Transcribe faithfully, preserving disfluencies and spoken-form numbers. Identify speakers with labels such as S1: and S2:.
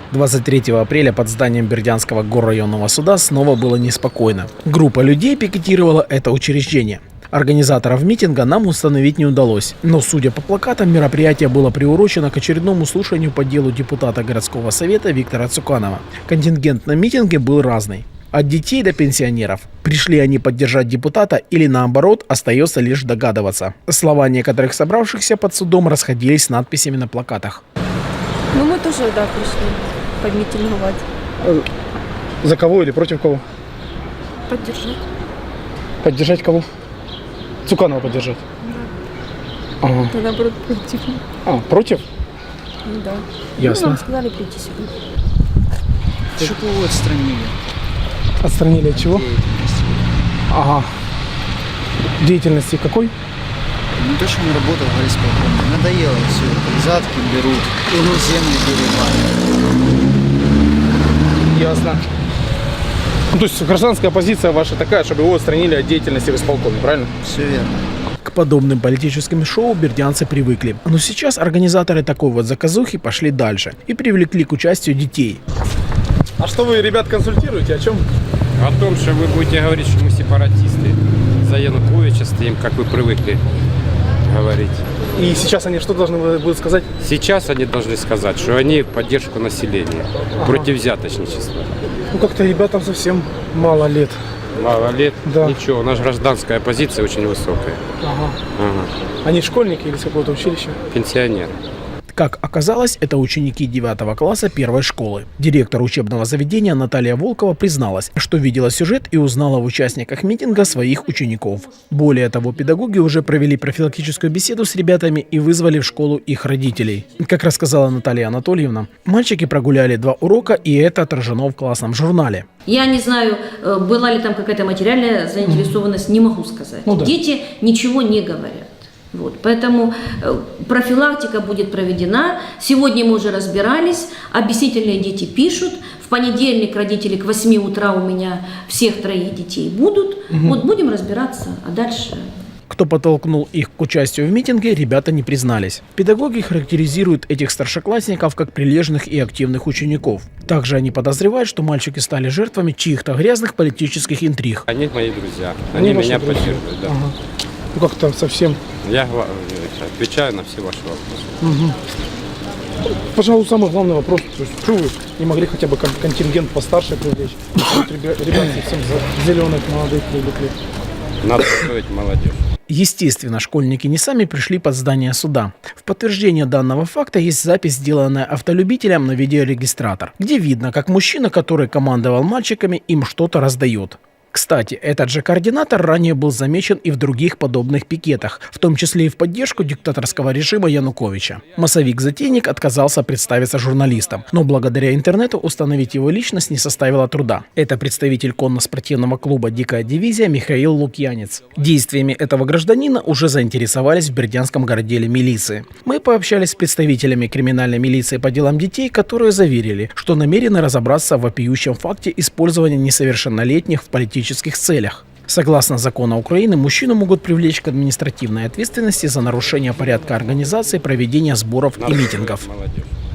S1: двадцать третьего апреля под зданием Бердянского горрайонного суда снова было неспокойно. Группа людей пикетировала это учреждение. Организаторов митинга нам установить не удалось, но, судя по плакатам, мероприятие было приурочено к очередному слушанию по делу депутата городского совета Виктора Цуканова. Контингент на митинге был разный. От детей до пенсионеров. Пришли они поддержать депутата или наоборот, остается лишь догадываться. Слова некоторых собравшихся под судом расходились с надписями на плакатах.
S2: Ну мы тоже, да, пришли помитинговать.
S3: За кого или против кого?
S2: Поддержать.
S3: Поддержать кого? Цуканова поддержать?
S2: Да.
S3: Ага.
S2: Да, наоборот, против.
S3: А, против?
S2: Ну, да.
S3: Ясно.
S2: Ну, нам сказали прийти сюда.
S4: Чтобы его отстранили.
S3: Отстранили от чего?
S4: Деятельности.
S3: Ага. Деятельности какой?
S4: Ну то, что он работал в горисполкоме. Надоело все. Взятки берут, землю перебивают.
S3: Ясно. Ну, то есть гражданская позиция ваша такая, чтобы его отстранили от деятельности в исполкоме, правильно?
S4: Все верно.
S1: К подобным политическим шоу бердянцы привыкли. Но сейчас организаторы такой вот заказухи пошли дальше и привлекли к участию детей.
S3: А что вы, ребят, консультируете? О чем?
S5: О том, что вы будете говорить, что мы сепаратисты. За Януковича стоим, как вы привыкли говорить.
S3: И сейчас они что должны будут сказать?
S5: Сейчас они должны сказать, что они в поддержку населения,
S3: Ага.
S5: против взяточничества.
S3: Ну, как-то ребятам совсем мало лет.
S5: Мало лет,
S3: Да.
S5: ничего, у нас гражданская позиция очень высокая.
S3: Ага.
S5: Ага.
S3: Они школьники или с какого-то училища?
S5: Пенсионеры.
S1: Как оказалось, это ученики девятого класса первой школы. Директор учебного заведения Наталья Волкова призналась, что видела сюжет и узнала в участниках митинга своих учеников. Более того, педагоги уже провели профилактическую беседу с ребятами и вызвали в школу их родителей. Как рассказала Наталья Анатольевна, мальчики прогуляли два урока, и это отражено в классном журнале.
S6: Я не знаю, была ли там какая-то материальная заинтересованность, не могу сказать.
S3: Ну да.
S6: Дети ничего не говорят. Вот, поэтому э, профилактика будет проведена. Сегодня мы уже разбирались, объяснительные дети пишут. В понедельник родители к восьми утра у меня всех троих детей будут. Угу. Вот будем разбираться, а дальше...
S1: Кто подтолкнул их к участию в митинге, ребята не признались. Педагоги характеризуют этих старшеклассников как прилежных и активных учеников. Также они подозревают, что мальчики стали жертвами чьих-то грязных политических интриг.
S5: Они мои друзья,
S3: Они
S5: они,
S3: ваши
S5: меня
S3: друзья?
S5: поддерживают. Да.
S3: Ага. Ну, как-то совсем...
S5: Я гла- отвечаю на все ваши вопросы.
S3: Угу. Пожалуй, самый главный вопрос, то есть, что вы не могли хотя бы кон- контингент постарше привлечь? Вот ребя- Ребят совсем за- зеленых молодых привлекли.
S5: Надо готовить молодежь.
S1: Естественно, школьники не сами пришли под здание суда. В подтверждение данного факта есть запись, сделанная автолюбителем на видеорегистратор, где видно, как мужчина, который командовал мальчиками, им что-то раздает. Кстати, этот же координатор ранее был замечен и в других подобных пикетах, в том числе и в поддержку диктаторского режима Януковича. Массовик-затейник отказался представиться журналистом, но благодаря интернету установить его личность не составило труда. Это представитель конно-спортивного клуба «Дикая дивизия» Михаил Лукьянец. Действиями этого гражданина уже заинтересовались в Бердянском городделе милиции. Мы пообщались с представителями криминальной милиции по делам детей, которые заверили, что намерены разобраться в вопиющем факте использования несовершеннолетних в политических целях. Согласно закону Украины, мужчину могут привлечь к административной ответственности за нарушение порядка организации проведения сборов и
S5: Надо
S1: митингов.
S5: готовить молодежь.